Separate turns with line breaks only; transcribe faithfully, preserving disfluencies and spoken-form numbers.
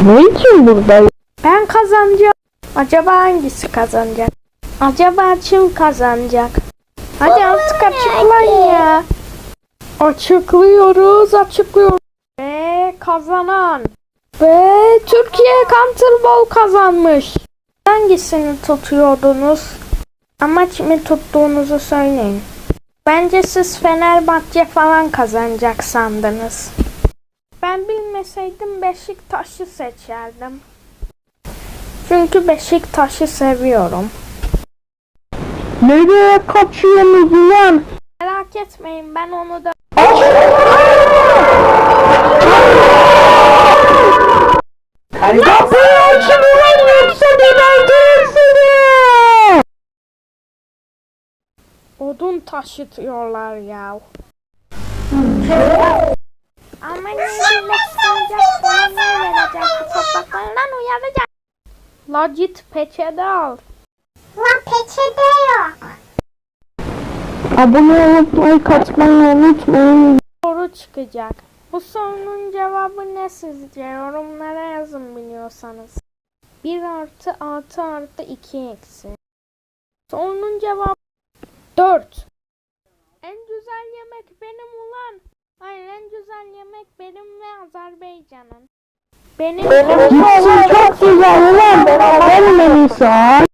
Ne için buradayım?
Ben kazanacağım. Acaba hangisi kazanacak? Acaba kim kazanacak? Hadi artık açıklayın ya. Açıklıyoruz, açıklıyoruz. Ve kazanan. Ve Türkiye Counterball kazanmış. Hangisini tutuyordunuz? Ama kimi tuttuğunuzu söyleyin. Bence siz Fenerbahçe falan kazanacak sandınız. Ben bilmeseydim Beşiktaş'ı seçerdim. Çünkü Beşiktaş'ı seviyorum.
Nereye kaçıyorsunuz ulan?
Merak etmeyin, ben onu da...
Kapıyı açın ulan, yoksa gebertirim seni!
Odun taşıtıyorlar ya. Ama ne birleştirecek, bana ne verecek, bu topraklarından uyaracak. La git peçete al.
La peçete yok.
Abone olup like atmayı unutmayın.
Soru çıkacak. Bu sorunun cevabı ne sizce? Yorumlara yazın biliyorsanız. bir artı altı artı iki eksi. Sorunun cevabı dört. En güzel yemek benim ulan. Hayır, en güzel yemek benim ve Azerbaycan'ın. Benim
Gitsin çok güzel ulan. Benim en iyisi.